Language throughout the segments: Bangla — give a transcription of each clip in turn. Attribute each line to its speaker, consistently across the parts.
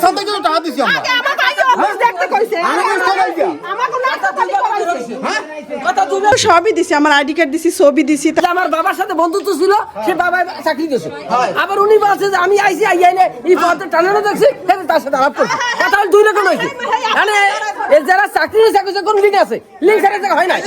Speaker 1: এখান থেকে তো টাকা দিছি আমরা
Speaker 2: আমার ভাই অফিস দেখতে কইছে আমাকে না তালি করাইছে
Speaker 1: হ্যাঁ
Speaker 2: কথা তুমি সবই দিছি আমার আইডি কার্ড দিছি ছবি দিছি
Speaker 3: আমার বাবার সাথে বন্ধুত্ব ছিল সে বাবা চাকরি দিয়েছে আবার উনি বলছে যে আমি আইছি আইয়াইলে এই পথে টানানো দেখছি তার সাথে আলাপ করছি কথা হল দুই রকম হয়েছে মানে এর যারা চাকরি চাকরি কোন লিঙ্ক আছে লিঙ্ক ছাড়া জায়গা হয় না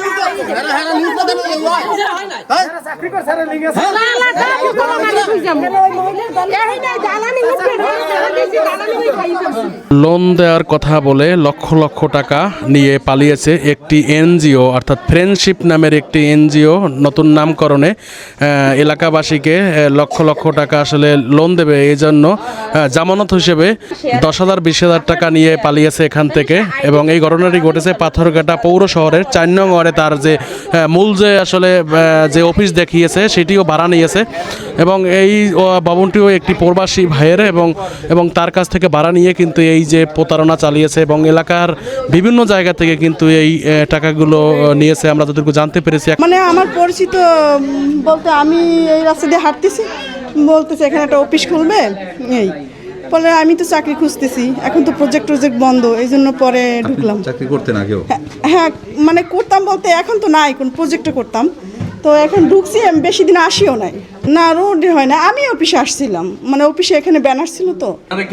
Speaker 1: চাকরি করে স্যার লিখে
Speaker 2: না না তা কোনো মানে বুঝাম এই না জ্বালানি উঠবে না জ্বালানি ওই খাইছে
Speaker 4: লোন দেওয়ার কথা বলে লক্ষ লক্ষ টাকা নিয়ে পালিয়েছে একটি এনজিও অর্থাৎ ফ্রেন্ডশিপ নামের একটি এনজিও নতুন নামকরণে এলাকাবাসীকে লক্ষ লক্ষ টাকা আসলে লোন দেবে এই জন্য জামানত হিসেবে 10,000 20,000 টাকা নিয়ে পালিয়েছে এখান থেকে এবং এই ঘটনাটি ঘটেছে পাথরঘাটা পৌর শহরের 4 নং ওয়ার্ডে তার যে মূল যে আসলে যে অফিস দেখিয়েছে সেটিও ভাড়া নিয়েছে এবং এই ভবনটিও একটি প্রবাসী ভাইয়ের এবং তার কাছ থেকে ভাড়া নিয়ে কিন্তু এই যে প্রতারণা চালিয়েছে এবং এলাকার বিভিন্ন জায়গা থেকে কিন্তু এই টাকাগুলো নিয়েছে আমরা যতটুকু জানতে পেরেছি।
Speaker 2: মানে আমার পরিচিত বলতে আমি এই রাস্তা দিয়ে হাঁটতেছি বলতেছে এখানে একটা অফিস খুলবে এই পরে আমি তো চাকরি খুঁজতেছি এখন তো প্রজেক্ট বন্ধ এই জন্য পরে ঢুকলাম।
Speaker 5: চাকরি করতে না কেউ?
Speaker 2: হ্যাঁ মানে করতাম বলতে এখন তো নাই কোন প্রজেক্টে করতাম তো এখন ঢুকছি আমি বেশি দিন আসিও নাই না রোডে হয় না আমি অফিসে আসছিলাম মানে অফিসে এখানে ব্যানার ছিল তো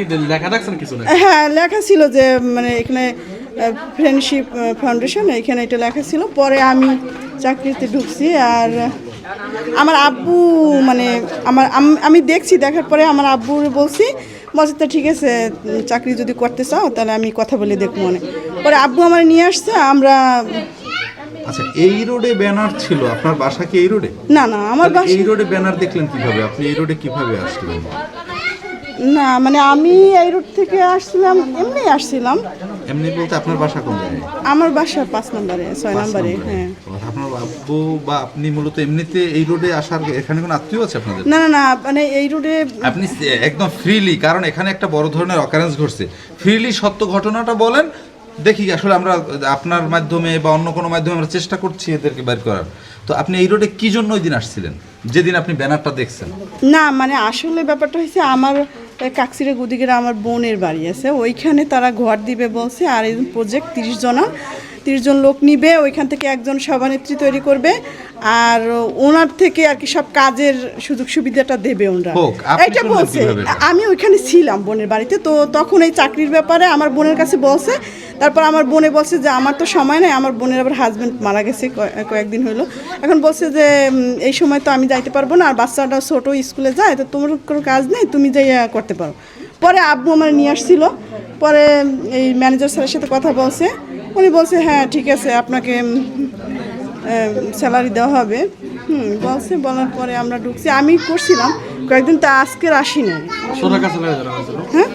Speaker 2: হ্যাঁ লেখা ছিল যে মানে এখানে ফ্রেন্ডশিপ ফাউন্ডেশন এখানে এটা লেখা ছিল পরে আমি চাকরিতে ঢুকছি আর আমার আব্বু মানে আমি দেখছি দেখার পরে আমার আব্বুর বলছি তো ঠিক আছে চাকরি যদি করতে চাও তাহলে আমি কথা বলে দেখবো মানে পরে আব্বু আমার নিয়ে আসছে আমরা।
Speaker 5: আচ্ছা এই রোডে ব্যানার ছিল আপনার বাসা কি এই রোডে?
Speaker 2: না না আমার বাসা
Speaker 5: এই রোডে ব্যানার দেখলেন কিভাবে? আপনি এই রোডে কিভাবে আসলেন?
Speaker 2: না মানে আমি এই রোড থেকে আসছিলাম এমনি আসছিলাম।
Speaker 5: এমনি বলতে আপনার বাসা কোন জায়গায়?
Speaker 2: আমার বাসা 5 নম্বরে 6 নম্বরে। হ্যাঁ
Speaker 5: আপনার আব্বু বা আপনি মূলত এমনিতে এই রোডে আসার এখানে কোনো আত্মীয় আছে আপনাদের?
Speaker 2: না না না মানে এই রোডে
Speaker 5: আপনি একদম ফ্রিলি কারণ এখানে একটা বড় ধরনের অকারেন্স ঘটছে ফ্রিলি সত্য ঘটনাটা বলেন দেখি আসলে আমরা আপনার মাধ্যমে বা অন্য কোনো মাধ্যমে আমরা চেষ্টা করছি এদেরকে বের করার। তো আপনি এই রোডে কি জন্য ওই দিন আসছিলেন যেদিন আপনি ব্যানারটা দেখছেন?
Speaker 2: না মানে আসলে ব্যাপারটা হয়েছে আমার কাকসিরা গুদিগেরা আমার বোনের বাড়ি আছে ওইখানে তারা ঘর দিবে বলছে আর এই প্রজেক্ট 30 জন লোক নিবে ওইখান থেকে একজন সভানেত্রী তৈরি করবে আর ওনার থেকে আর কি সব কাজের সুযোগ সুবিধাটা দেবে ওনারা এটা বলছে। আমি ওইখানে ছিলাম বোনের বাড়িতে তো তখন এই চাকরির ব্যাপারে আমার বোনের কাছে বলছে তারপর আমার বোনে বলছে যে আমার তো সময় নেই আমার বোনের আবার হাজব্যান্ড মারা গেছে কয়েকদিন হলো এখন বলছে যে এই সময় তো আমি যাইতে পারবো না আর বাচ্চাটা ছোটো স্কুলে যায় তো তোমার কোনো কাজ নেই তুমি যাই করতে পারো। পরে আব্বু আমার নিয়ে আসছিল পরে এই ম্যানেজার স্যারের সাথে কথা বলছে উনি বলছে হ্যাঁ ঠিক আছে আপনাকে স্যালারি দেওয়া হবে বলছে বলার পরে আমরা ঢুকছি আমি করছিলাম কয়েকদিন তা আজকের আসি নাই। হ্যাঁ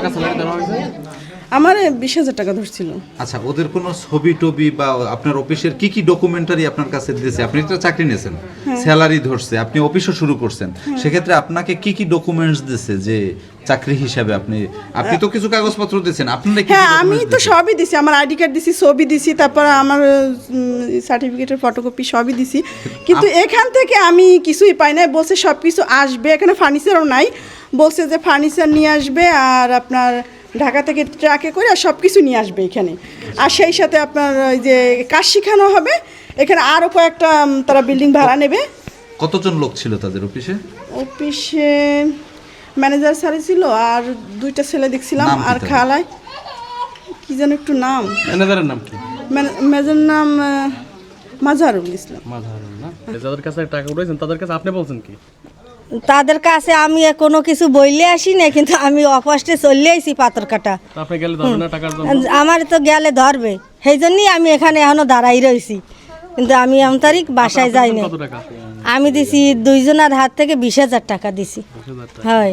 Speaker 2: আমার 20,000 টাকা ধরছিল।
Speaker 5: আচ্ছা ওদের কোনো ছবি টবি বা আপনার অফিসের কি কি ডকুমেন্টারি আপনার কাছে দিয়েছে? আপনি তো চাকরি নিয়েছেন স্যালারি ধরছে আপনি অফিসও শুরু করছেন সেক্ষেত্রে আপনাকে কি কি ডকুমেন্টস দিয়েছে যে চাকরি হিসাবে আপনি তো কিছু কাগজপত্র দিয়েছেন আপনি?
Speaker 2: হ্যাঁ আমি তো সবই দিছি আমার আইডি কার্ড দিছি ছবি দিছি তারপর আমার সার্টিফিকেটের ফটোকপি সবই দিছি কিন্তু এখান থেকে আমি কিছুই পাই নাই বলছে সব কিছু আসবে এখানে ফার্নিচারও নাই বলছে যে ফার্নিচার নিয়ে আসবে আর আপনার ঢাকা থেকে ট্রাকে করে সব কিছু নিয়ে আসবে এখানে আর সেই সাথে আপনার ওই যে কাজ শেখানো হবে এখানে আরও কয়েকটা তারা বিল্ডিং ভাড়া নেবে।
Speaker 5: কতজন লোক ছিল তাদের অফিসে?
Speaker 2: অফিসে ম্যানেজার স্যারই ছিল আর 2টা ছেলে দেখছিলাম আর খালায় কি যেন একটু নাম।
Speaker 4: ম্যানেজারের নাম কি?
Speaker 2: ম্যানেজারের নাম মাজারুল ইসলাম।
Speaker 4: মাজারুল না যাদের কাছে টাকা উঠাইছেন তাদের কাছে আপনি বলছেন কি?
Speaker 6: তাদের কাছে আমি কোনো কিছু বইলে আসি না কিন্তু আমি অফাস্টে চলে আইছি পাথর কাটা আমার তো গেলে ধরবে সেই জন্যই আমি এখানে এখনো দাঁড়াই রয়েছি কিন্তু আমি তারিখ বাসায় যাইনি। আমি দিছি 2 জনের হাত থেকে 20,000 টাকা দিছি। হয়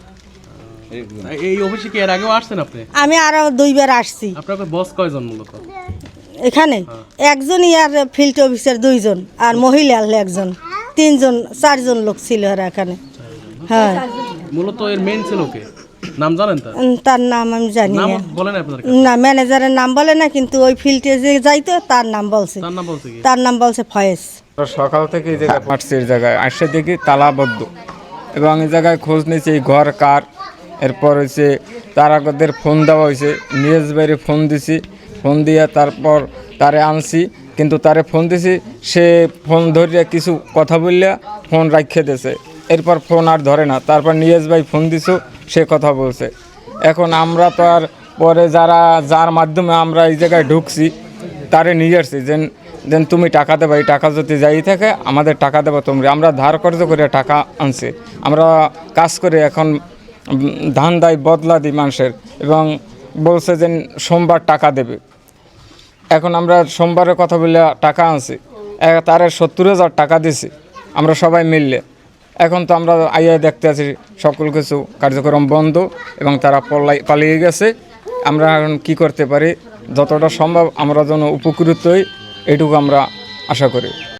Speaker 4: এই অফিসে কি এর আগেও আসছেন আপনি?
Speaker 6: আমি আরো 2 বার আসছি।
Speaker 4: আপনার বস কয়জন মূলত
Speaker 6: এখানে? একজনই আর ফিল্ড অফিসার 2 জন আর মহিলা 1 জন 3 জন 4 জন লোক ছিল আর এখানে। হ্যাঁ
Speaker 4: মূলত এর মেইন ছিল কে নাম জানেন?
Speaker 6: তার নাম আমি জানি না।
Speaker 4: বলেন আপনাদের
Speaker 6: না ম্যানেজারের নাম বলে না কিন্তু ওই ফিল্ডে যে যাইতো তার নাম বলছে। তার নাম বলছে ফয়েজ।
Speaker 7: সকাল থেকে এই জায়গায় হাঁটছি এই জায়গায় আসে দেখি তালাবদ্ধ এবং এই জায়গায় খোঁজ নিয়েছি এই ঘর কার এরপর হয়েছে তারাদের ফোন দেওয়া হয়েছে, নিউজ বাইরে ফোন দিছি, ফোন দিয়ে তারপর তারে আনছি, কিন্তু তারে ফোন দিছি, সে ফোন ধরিয়া কিছু কথা বললিয়া ফোন রাখিয়ে দিয়েছে, এরপর ফোন আর ধরে না। তারপর নিউজ ভাই ফোন দিছো, সে কথা বলছে। এখন আমরা তো আর পরে যার মাধ্যমে আমরা এই জায়গায় ঢুকছি তারে নিয়ে আসছি, দেন তুমি টাকা দেবা, এই টাকা যদি যাই থাকে আমাদের টাকা দেবা তোমরা। আমরা ধার কর্জ করে টাকা আনছি, আমরা কাজ করে এখন ধান দায় বদলা দিই মানুষের, এবং বলছে যে সোমবার টাকা দেবে। এখন আমরা সোমবারের কথা বলে টাকা আনছি, তারে 70,000 টাকা দিছি আমরা সবাই মিললে। এখন তো আমরা আইয়া দেখতে আছি সকল কিছু কার্যক্রম বন্ধ এবং তারা পালিয়ে গেছে। আমরা এখন কী করতে পারি, যতটা সম্ভব আমরা যেন উপকৃত হই, এটুকু আমরা আশা করি।